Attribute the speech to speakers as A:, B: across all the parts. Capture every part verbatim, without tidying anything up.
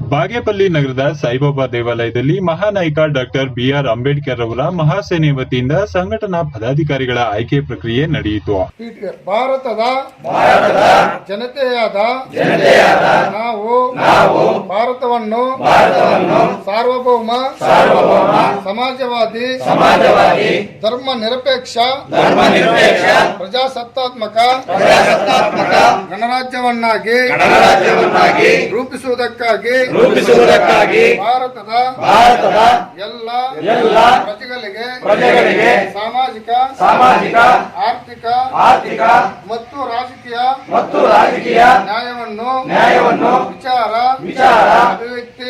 A: ಬಾಗೇಪಲ್ಲಿ ನಗರದ ಸಾಯಿಬಾಬಾ ದೇವಾಲಯದಲ್ಲಿ ಮಹಾನಾಯಕ doctor B R Ambedkar ಅವರ ಮಹಾಸೇನೆ ವತಿಯಿಂದ ಸಂಘಟನಾ ಪದಾಧಿಕಾರಿಗಳ ಆಯ್ಕೆ ಪ್ರಕ್ರಿಯೆ ನಡೆಯಿತು.
B: ಭಾರತದ ಜನತೆಯಾದ ನಾವು ಭಾರತವನ್ನು ಸಾರ್ವಭೌಮ ಸಮಾಜವಾದಿ ಧರ್ಮ ನಿರಪೇಕ್ಷ ಪ್ರಜಾಸತ್ತಾತ್ಮಕ ಗಣರಾಜ್ಯವನ್ನಾಗಿ ರೂಪಿಸುವುದಕ್ಕಾಗಿ
C: ರೂಪಿಸುವುದಕ್ಕಾಗಿ
B: ಭಾರತದ
C: ಭಾರತದ
B: ಎಲ್ಲ
C: ಎಲ್ಲ
B: ಪ್ರಜೆಗಳಿಗೆ
C: ಪ್ರಜೆಗಳಿಗೆ
B: ಸಾಮಾಜಿಕ
C: ಸಾಮಾಜಿಕ
B: ಆರ್ಥಿಕ
C: ಆರ್ಥಿಕ
B: ಮತ್ತು ರಾಜಕೀಯ
C: ಮತ್ತು ರಾಜಕೀಯ
B: ನ್ಯಾಯವನ್ನು
C: ನ್ಯಾಯವನ್ನು
B: ವಿಚಾರ
C: ವಿಚಾರ
B: ಅಭಿವ್ಯಕ್ತಿ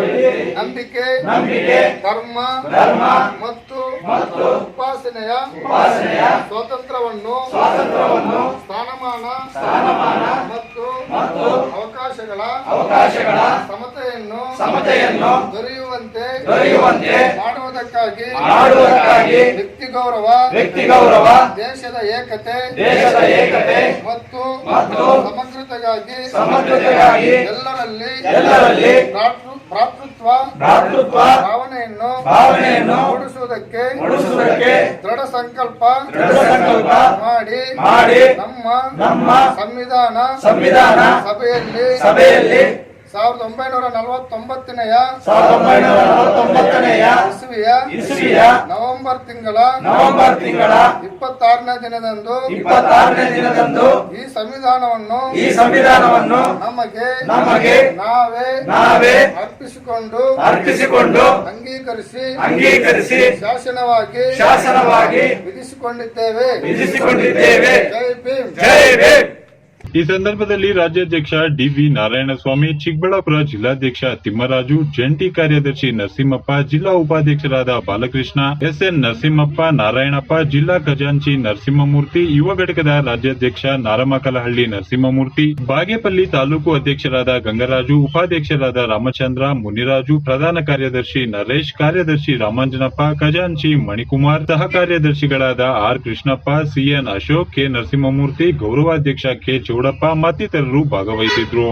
B: ನಂಬಿಕೆ
C: ನಂಬಿಕೆ
B: ಧರ್ಮ
C: ಧರ್ಮ
B: ಮತ್ತು
C: ಮತ್ತು
B: ಉಪಾಸನೆಯ
C: ಉಪಾಸನೆಯ
B: ಸ್ವಾತಂತ್ರ್ಯವನ್ನು
C: ಸ್ವಾತಂತ್ರ್ಯವನ್ನು
B: ಸ್ಥಾನಮಾನ
C: ಸ್ಥಾನಮಾನ
B: ಮತ್ತು
C: ಮತ್ತು
B: ಅವಕಾಶಗಳ
C: ಅವಕಾಶಗಳ
B: ಸಮತೆಯನ್ನು
C: ಸಮತೆಯನ್ನು
B: ದೊರೆಯುವಂತೆ
C: ದೊರೆಯುವಂತೆ
B: ಮಾಡುವುದಕ್ಕಾಗಿ
C: ಮಾಡುವುದಕ್ಕಾಗಿ
B: ವ್ಯಕ್ತಿ ಗೌರವ
C: ವ್ಯಕ್ತಿ ಗೌರವ
B: ದೇಶದ ಏಕತೆ
C: ದೇಶದ ಏಕತೆ
B: ಮತ್ತು
C: ಮತ್ತು
B: ಸಮಗ್ರತೆಗಾಗಿ
C: ಸಮಗ್ರತೆಗಾಗಿ
B: ಎಲ್ಲರಲ್ಲಿ
C: ಎಲ್ಲರಲ್ಲಿ
B: ಭ್ರಾತೃ- ಭ್ರಾತೃತ್ವ
C: ಭ್ರಾತೃತ್ವ
B: ಭಾವನೆಯನ್ನು
C: ಭಾವನೆಯನ್ನು
B: ಮೂಡಿಸುವುದಕ್ಕೆ
C: ಮೂಡಿಸುವುದಕ್ಕೆ
B: ದೃಢ ಸಂಕಲ್ಪ
C: ದೃಢ ಸಂಕಲ್ಪ
B: ಮಾಡಿ
C: ಮಾಡಿ
B: ನಮ್ಮ
C: ನಮ್ಮ
B: ಸಂವಿಧಾನ
C: ಸಂವಿಧಾನ
B: ಸಭೆಯಲ್ಲಿ
C: ಸಭೆಯಲ್ಲಿ
B: ಸಾವಿರದ ಒಂಬೈನೂರ ನಲವತ್ತೊಂಬತ್ತನೆಯ
C: ಸಾವಿರದ ಒಂಬೈನೂರ ನಲವತ್ತೊಂಬತ್ತನೆಯ
B: ಇಸ್ವಿಯ
C: ಇಸ್ವಿಯ
B: ನವೆಂಬರ್ ತಿಂಗಳ
C: ನವೆಂಬರ್ ತಿಂಗಳ
B: ಇಪ್ಪತ್ತಾರನೇ ದಿನದಂದು
C: ಇಪ್ಪತ್ತಾರನೇ ದಿನದಂದು
B: ಈ ಸಂವಿಧಾನವನ್ನು
C: ಈ ಸಂವಿಧಾನವನ್ನು
B: ನಮಗೆ
C: ನಮಗೆ
B: ನಾವೇ
C: ನಾವೇ
B: ಅರ್ಪಿಸಿಕೊಂಡು
C: ಅರ್ಪಿಸಿಕೊಂಡು
B: ಅಂಗೀಕರಿಸಿ
C: ಅಂಗೀಕರಿಸಿ
B: ಶಾಸನವಾಗಿ
C: ಶಾಸನವಾಗಿ
B: ವಿಧಿಸಿಕೊಂಡಿದ್ದೇವೆ
C: ವಿಧಿಸಿಕೊಂಡಿದ್ದೇವೆ.
B: ಜೈ ಭೀಮ್.
C: ಜೈ ಭೀಮ್.
A: ಈ ಸಂದರ್ಭದಲ್ಲಿ ರಾಜ್ಯಾಧ್ಯಕ್ಷ ಡಿವಿ ನಾರಾಯಣಸ್ವಾಮಿ, ಚಿಕ್ಕಬಳ್ಳಾಪುರ ಜಿಲ್ಲಾಧ್ಯಕ್ಷ ತಿಮ್ಮರಾಜು, ಜಂಟಿ ಕಾರ್ಯದರ್ಶಿ ನರಸಿಂಹಪ್ಪ, ಜಿಲ್ಲಾ ಉಪಾಧ್ಯಕ್ಷರಾದ ಬಾಲಕೃಷ್ಣ, ಎಸ್ಎನ್ ನರಸಿಂಹಪ್ಪ, ನಾರಾಯಣಪ್ಪ, ಜಿಲ್ಲಾ ಖಜಾಂಚಿ ನರಸಿಂಹಮೂರ್ತಿ, ಯುವ ಘಟಕದ ರಾಜ್ಯಾಧ್ಯಕ್ಷ ನಾರಮಕಲಹಳ್ಳಿ ನರಸಿಂಹಮೂರ್ತಿ, ಬಾಗೇಪಲ್ಲಿ ತಾಲೂಕು ಅಧ್ಯಕ್ಷರಾದ ಗಂಗರಾಜು, ಉಪಾಧ್ಯಕ್ಷರಾದ ರಾಮಚಂದ್ರ, ಮುನಿರಾಜು, ಪ್ರಧಾನ ಕಾರ್ಯದರ್ಶಿ ನರೇಶ್, ಕಾರ್ಯದರ್ಶಿ ರಾಮಾಂಜನಪ್ಪ, ಖಜಾಂಚಿ ಮಣಿಕುಮಾರ್, ಸಹ ಕಾರ್ಯದರ್ಶಿಗಳಾದ R Krishnappa, C N Ashok, K Narasimhamurthy, ಗೌರವಾಧ್ಯಕ್ಷ ಕೆ ಚೌಡಪ್ಪ ಮತ್ತಿತರರು ಭಾಗವಹಿಸಿದ್ರು.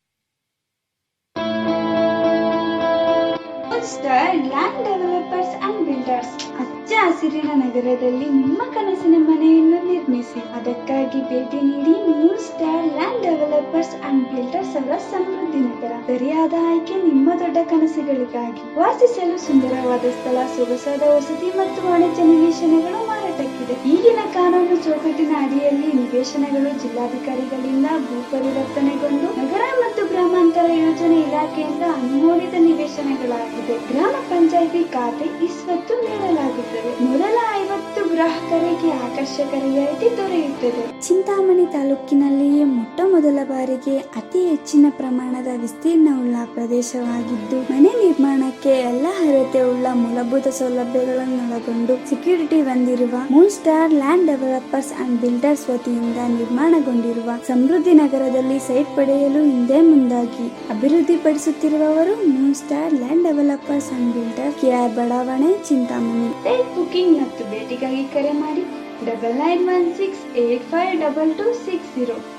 D: ಲ್ಯಾಂಡ್ ಡೆವಲಪರ್ಸ್ ಅಂಡ್ ಬಿಲ್ಡರ್ಸ್ ಹಚ್ಚ ಹಸಿರಿನ ನಗರದಲ್ಲಿ ನಿಮ್ಮ ಕನಸಿನ ಮನೆಯನ್ನು ನಿರ್ಮಿಸಿ. ಅದಕ್ಕಾಗಿ ಭೇಟಿ ನೀಡಿ moon star land developers and builders ಅವರ ಸಮೃದ್ಧಿ ನಗರ. ಸರಿಯಾದ ಆಯ್ಕೆ ನಿಮ್ಮ ದೊಡ್ಡ ಕನಸುಗಳಿಗಾಗಿ. ವಾಸಿಸಲು ಸುಂದರವಾದ ಸ್ಥಳ, ಸೊಗಸಾದ ವಸತಿ ಮತ್ತು ವಾಣಿಜ್ಯ ನಿವೇಶನಗಳು ಮಾರಾಟಕ್ಕಿದೆ. ಈಗಿನ ಕಾನೂನು ಚೌಕಟ್ಟಿನ ಅಡಿಯಲ್ಲಿ ನಿವೇಶನಗಳು ಜಿಲ್ಲಾಧಿಕಾರಿಗಳಿಂದ ಭೂ ಪರಿವರ್ತನೆಗೊಂಡು ನಗರ ಮತ್ತು ಗ್ರಾಮಾಂತರ ಯೋಜನೆ ಇಲಾಖೆಯಿಂದ ಅನುಮೋದಿತ ನಿವೇಶನಗಳಾಗಿದೆ. ಗ್ರಾಮ ಪಂಚಾಯಿತಿ ಖಾತೆ ಈ ಸ್ವತ್ತು ನೀಡಲಾಗುತ್ತದೆ. ಮೊದಲ ಐವತ್ತು ಗ್ರಾಹಕರಿಗೆ ಆಕರ್ಷಕ ರಿಯಾಯಿತಿ ದೊರೆಯುತ್ತದೆ. ಚಿಂತಾಮಣಿ ತಾಲೂಕಿನಲ್ಲಿಯೇ ಮೊಟ್ಟ ಮೊದಲ ಬಾರಿಗೆ ಅತಿ ಹೆಚ್ಚಿನ ಪ್ರಮಾಣದ ವಿಸ್ತೀರ್ಣವುಳ್ಳ ಪ್ರದೇಶವಾಗಿದ್ದು, ಮನೆ ನಿರ್ಮಾಣಕ್ಕೆ ಎಲ್ಲ ಅರ್ಹತೆ ಉಳ್ಳ ಮೂಲಭೂತ ಸೌಲಭ್ಯಗಳನ್ನು ಒಳಗೊಂಡು ಸೆಕ್ಯೂರಿಟಿ ಹೊಂದಿರುವ moon star land developers and builders ವತಿಯಿಂದ ನಿರ್ಮಾಣಗೊಂಡಿರುವ ಸಮೃದ್ಧಿ ನಗರದಲ್ಲಿ ಸೈಟ್ ಪಡೆಯಲು ಹಿಂದೆ ಮುಂದಾಗಿ ಅಭಿವೃದ್ಧಿಪಡಿಸುತ್ತಿರುವವರು moon star land developers and builder, K R ಬಡಾವಣೆ, ಚಿಂತಾಮಣಿ. ಸೈಟ್ ಬುಕಿಂಗ್ ಮತ್ತು ಭೇಟಿಗಾಗಿ ಕರೆ ಮಾಡಿ double nine one six eight five double two six zero.